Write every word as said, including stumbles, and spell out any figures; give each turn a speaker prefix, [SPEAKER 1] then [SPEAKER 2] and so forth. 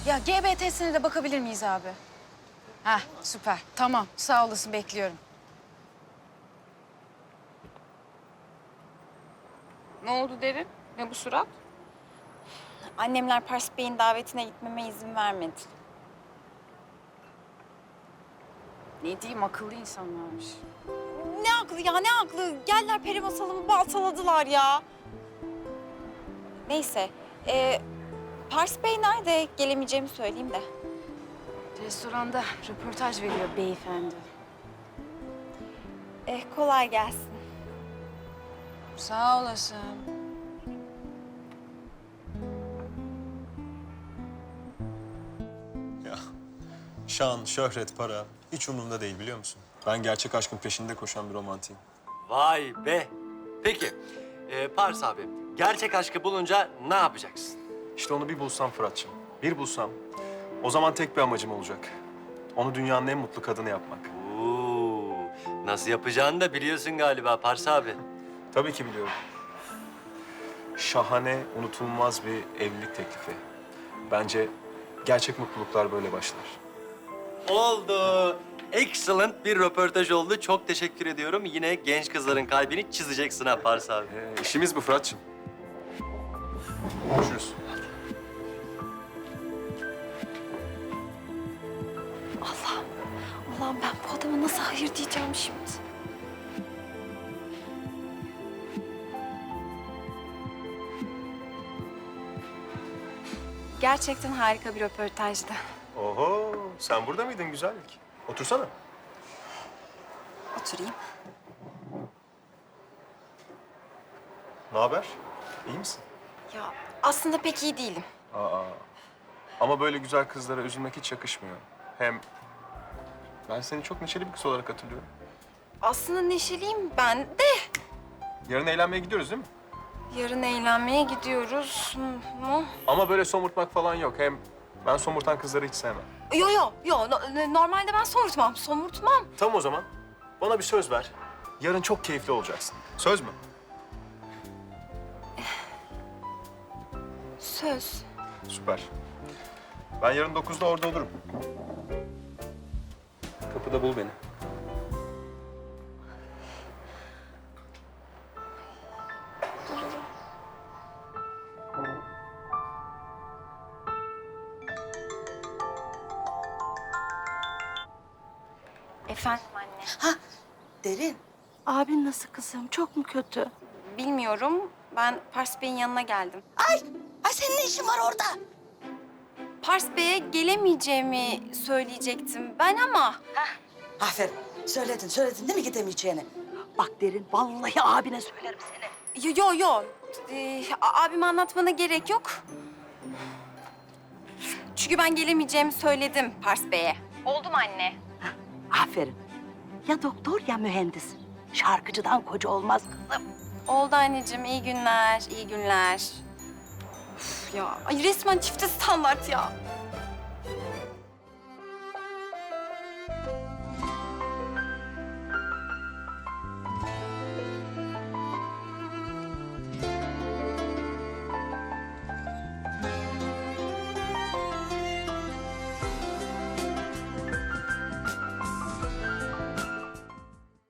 [SPEAKER 1] Ya G B T'sine de bakabilir miyiz abi? Heh, süper. Tamam, sağ olasın, bekliyorum. Ne oldu Derin? Ne bu surat?
[SPEAKER 2] Annemler Pars Bey'in davetine gitmeme izin vermedi.
[SPEAKER 1] Ne diyeyim, akıllı insanlarmış.
[SPEAKER 2] Ne aklı ya, ne aklı? Geldiler peri masalımı baltaladılar ya. Neyse, ee, Pars Bey nerede? Gelemeyeceğimi söyleyeyim de.
[SPEAKER 1] Restoranda röportaj veriyor beyefendi.
[SPEAKER 2] Eh, kolay gelsin.
[SPEAKER 1] Sağ olasın.
[SPEAKER 3] Ya şan, şöhret, para hiç umurumda değil biliyor musun? Ben gerçek aşkın peşinde koşan bir romantiyim.
[SPEAKER 4] Vay be. Peki, e, Pars abi, gerçek aşkı bulunca ne yapacaksın?
[SPEAKER 3] İşte onu bir bulsam Fırat'cığım, bir bulsam o zaman tek bir amacım olacak. Onu dünyanın en mutlu kadını yapmak.
[SPEAKER 4] Oo, nasıl yapacağını da biliyorsun galiba Pars abi.
[SPEAKER 3] Tabii ki biliyorum. Şahane, unutulmaz bir evlilik teklifi. Bence gerçek mutluluklar böyle başlar.
[SPEAKER 4] Oldu. Excellent bir röportaj oldu. Çok teşekkür ediyorum. Yine genç kızların kalbini çizeceksin ha Pars abi.
[SPEAKER 3] Ee, işimiz bu Fırat'cığım. Görüşürüz.
[SPEAKER 2] Allah'ım, Allah'ım ben bu adama nasıl hayır diyeceğim şimdi? Gerçekten harika bir röportajdı.
[SPEAKER 3] Oho, sen burada mıydın güzellik? Otursana.
[SPEAKER 2] Oturayım.
[SPEAKER 3] Ne haber? İyi misin?
[SPEAKER 2] Ya aslında pek iyi değilim.
[SPEAKER 3] Aa. Ama böyle güzel kızlara üzülmek hiç yakışmıyor. Hem ben seni çok neşeli bir kız olarak hatırlıyorum.
[SPEAKER 2] Aslında neşeliyim ben de.
[SPEAKER 3] Yarın eğlenmeye gidiyoruz değil mi?
[SPEAKER 2] Yarın eğlenmeye gidiyoruz mu?
[SPEAKER 3] Ama böyle somurtmak falan yok. Hem ben somurtan kızları hiç sevmem.
[SPEAKER 2] Yo yo yo no- normalde ben somurtmam, somurtmam.
[SPEAKER 3] Tamam o zaman. Bana bir söz ver. Yarın çok keyifli olacaksın. Söz mü?
[SPEAKER 2] Söz.
[SPEAKER 3] Süper. Ben yarın dokuzda orada olurum. Kapıda bul beni.
[SPEAKER 2] Efendim anne.
[SPEAKER 5] Ha, Derin.
[SPEAKER 6] Abin nasıl kızım? Çok mu kötü?
[SPEAKER 2] Bilmiyorum. Ben Pars Bey'in yanına geldim.
[SPEAKER 5] Ay, ay senin ne işin var orada?
[SPEAKER 2] Pars Bey'e gelemeyeceğimi söyleyecektim ben ama...
[SPEAKER 5] Aferin. Söyledin, söyledin değil mi gidemeyeceğini?
[SPEAKER 6] Bak Derin, vallahi abine söylerim seni.
[SPEAKER 2] Yo yo yo. Ee, a- abime anlatmana gerek yok. Çünkü ben gelemeyeceğimi söyledim Pars Bey'e. Oldu mu anne?
[SPEAKER 6] Aferin. Ya doktor ya mühendis. Şarkıcıdan koca olmaz kızım.
[SPEAKER 2] Oldu anneciğim. İyi günler, iyi günler. Üf ya, ay resmen çifte standart ya.